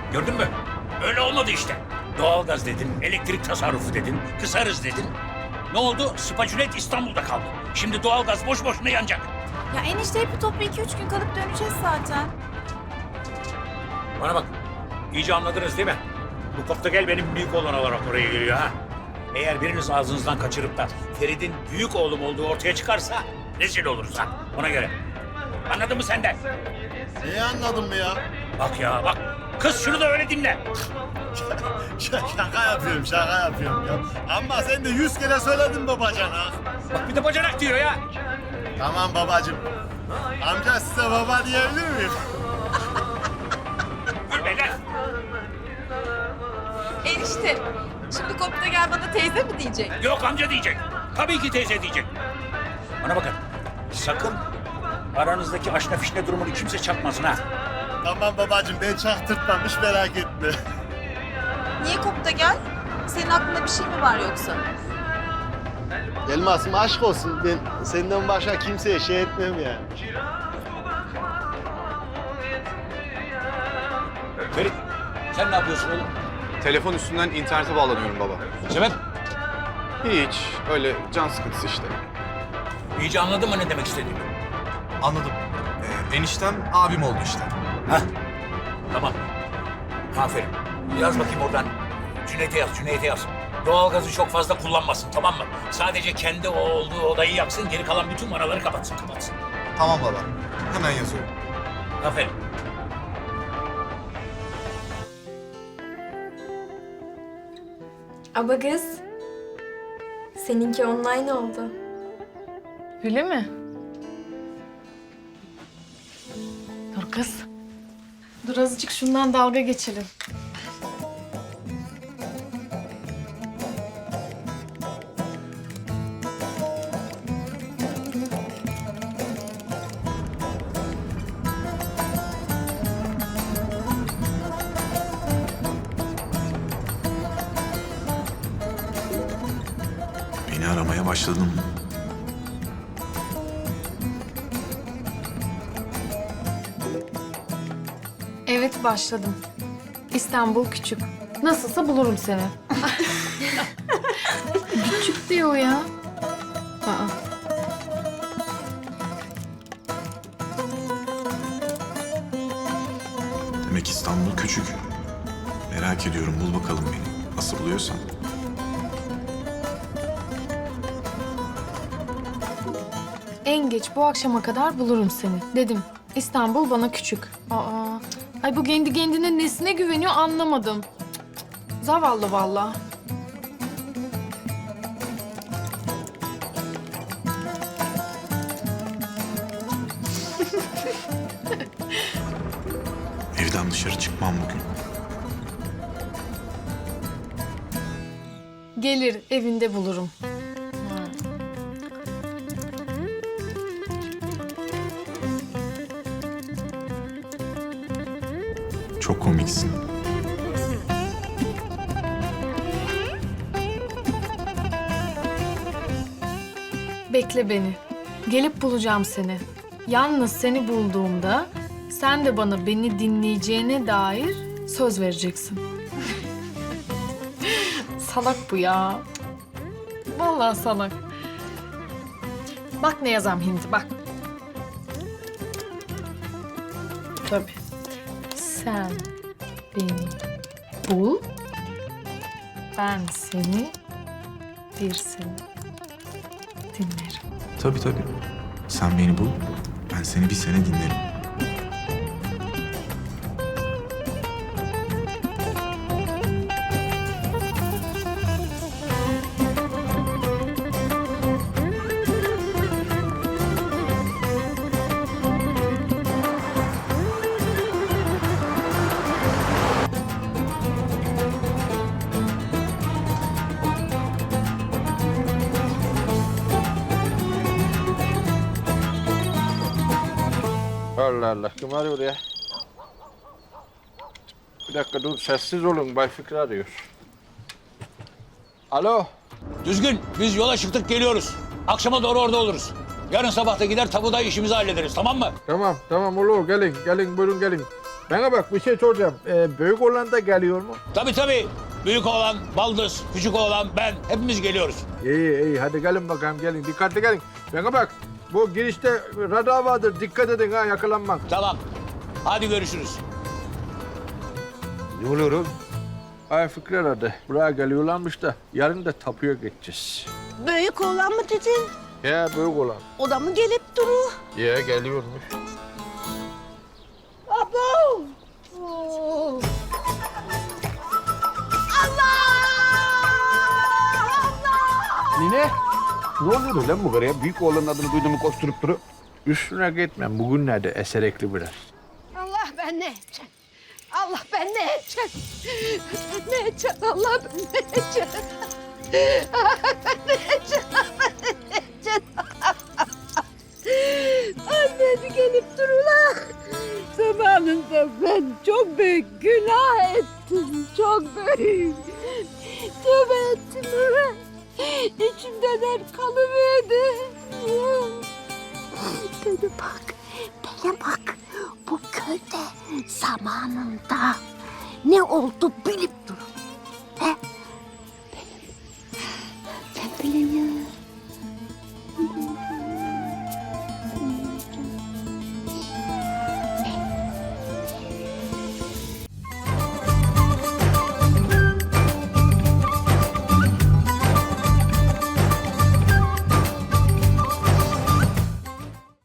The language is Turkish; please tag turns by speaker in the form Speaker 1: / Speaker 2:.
Speaker 1: Gördün mü? Öyle olmadı işte. Doğalgaz dedin, elektrik tasarrufu dedin, kısarız dedin. Ne oldu? Spaculet İstanbul'da kaldı. Şimdi doğalgaz boş boşuna yanacak.
Speaker 2: Ya enişte hep toplu 2-3 gün kalıp döneceğiz zaten.
Speaker 1: Bana bak, iyice anladınız değil mi? Bu Koptegel benim büyük oğlan olarak oraya geliyor ha. Eğer biriniz ağzınızdan kaçırıp da Ferit'in büyük oğlum olduğu ortaya çıkarsa rezil oluruz ha. Ona göre. Anladın mı sen de?
Speaker 3: Neyi anladın mı ya?
Speaker 1: Bak ya bak. Kız şunu da öyle dinle.
Speaker 3: Şaka yapıyorum ya. Ama sen de 100 kere söyledin babacana.
Speaker 1: Bak bir de bacanak diyor ya.
Speaker 3: Tamam babacığım. Amca size baba diyebilir miyim?
Speaker 1: Gülme lan.
Speaker 2: Enişte, şimdi kopta gel bana teyze mi diyecek?
Speaker 1: Yok amca diyecek. Tabii ki teyze diyecek. Bana bakın. Sakın aranızdaki aşna fişne durumunu kimse çakmasın ha.
Speaker 3: Tamam babacığım ben çaktırtmam hiç merak etme.
Speaker 2: Niye kopta gel? Senin aklında bir şey mi var yoksa?
Speaker 3: Elmas'ım aşk olsun ben senden başka kimseye şey etmem yani.
Speaker 1: Ferit sen ne yapıyorsun oğlum?
Speaker 4: Telefon üstünden internete bağlanıyorum baba.
Speaker 1: Sebep?
Speaker 4: Hiç, öyle can sıkıntısı işte.
Speaker 1: İyice anladın mı ne demek istediğimi?
Speaker 5: Anladım. Eniştem abim oldu işte.
Speaker 1: Hah. Tamam. Aferin. Yaz bakayım oradan. Cüneyt'e yaz. Doğalgazı çok fazla kullanmasın tamam mı? Sadece kendi o olduğu odayı yaksın, geri kalan bütün vanaları kapatsın.
Speaker 5: Tamam baba. Hemen yazıyorum.
Speaker 1: Aferin.
Speaker 6: Aba kız. Seninki online oldu.
Speaker 7: Öyle mi? Dur kız. Dur azıcık şundan dalga geçelim.
Speaker 5: Beni aramaya başladın.
Speaker 7: Evet başladım. İstanbul küçük. Nasılsa bulurum seni. Küçük diyor ya. Aa.
Speaker 5: Demek İstanbul küçük. Merak ediyorum, bul bakalım beni. Nasıl buluyorsan.
Speaker 7: En geç bu akşama kadar bulurum seni. Dedim. İstanbul bana küçük. Aa. Ay bu kendi kendine nesine güveniyor anlamadım. Cık, cık, cık. Zavallı vallahi.
Speaker 5: Evden dışarı çıkmam bugün.
Speaker 7: Gelir evinde bulurum.
Speaker 5: Çok komiksin.
Speaker 7: Bekle beni. Gelip bulacağım seni. Yalnız seni bulduğumda sen de bana beni dinleyeceğine dair söz vereceksin. Salak bu ya. Vallahi salak. Bak ne yazam Hindi bak. Tabii. Sen beni bul. Ben seni bir sene dinlerim.
Speaker 5: Tabii. Sen beni bul, ben seni bir sene dinlerim.
Speaker 8: Allah Allah, kim arıyor ya? Bir dakika dur, sessiz olun. Bay Fikri arıyor. Alo.
Speaker 1: Düzgün biz yola çıktık geliyoruz. Akşama doğru orada oluruz. Yarın sabah da gider tabuda işimizi hallederiz tamam mı?
Speaker 8: Tamam olur. Gelin buyurun gelin. Bana bak bir şey soracağım. Büyük olan da geliyor mu?
Speaker 1: Tabii. Büyük oğlan, baldız, küçük oğlan, ben hepimiz geliyoruz.
Speaker 8: İyi hadi gelin bakalım gelin. Dikkatli gelin. Bana bak bu girişte radar vardır. Dikkat edin ha yakalanmak.
Speaker 1: Tamam. Hadi görüşürüz.
Speaker 8: Ne oluyor oğlum? Ay Fikri aradı. Buraya geliyorlarmış da yarın da tapuya geçeceğiz.
Speaker 9: Büyük oğlan mı dedin?
Speaker 8: Ya büyük olan.
Speaker 9: O da mı gelip duru?
Speaker 8: Ya geliyormuş.
Speaker 9: Abo! Oo.
Speaker 8: Nine? Ne oluyor lan bu karıya? Büyük oğlanın adını duyduğumu koşturup durup. Üstüne gitmem. Bugünlerde eserekli biraz.
Speaker 9: Allah ben ne edeceğim? Allah ben ne edeceğim? Ben ne edeceğim? Allah ben ne edeceğim? Ben ne edeceğim? Ben ne edeceğim? Annesi gelip durular. Zamanında ben çok büyük günah ettim. Çok büyük. Tövbe ettim ben. İçimden kalıverdi. Bana bak. Bu köyde zamanında ne oldu bilip durun. He? Ben biliyorum.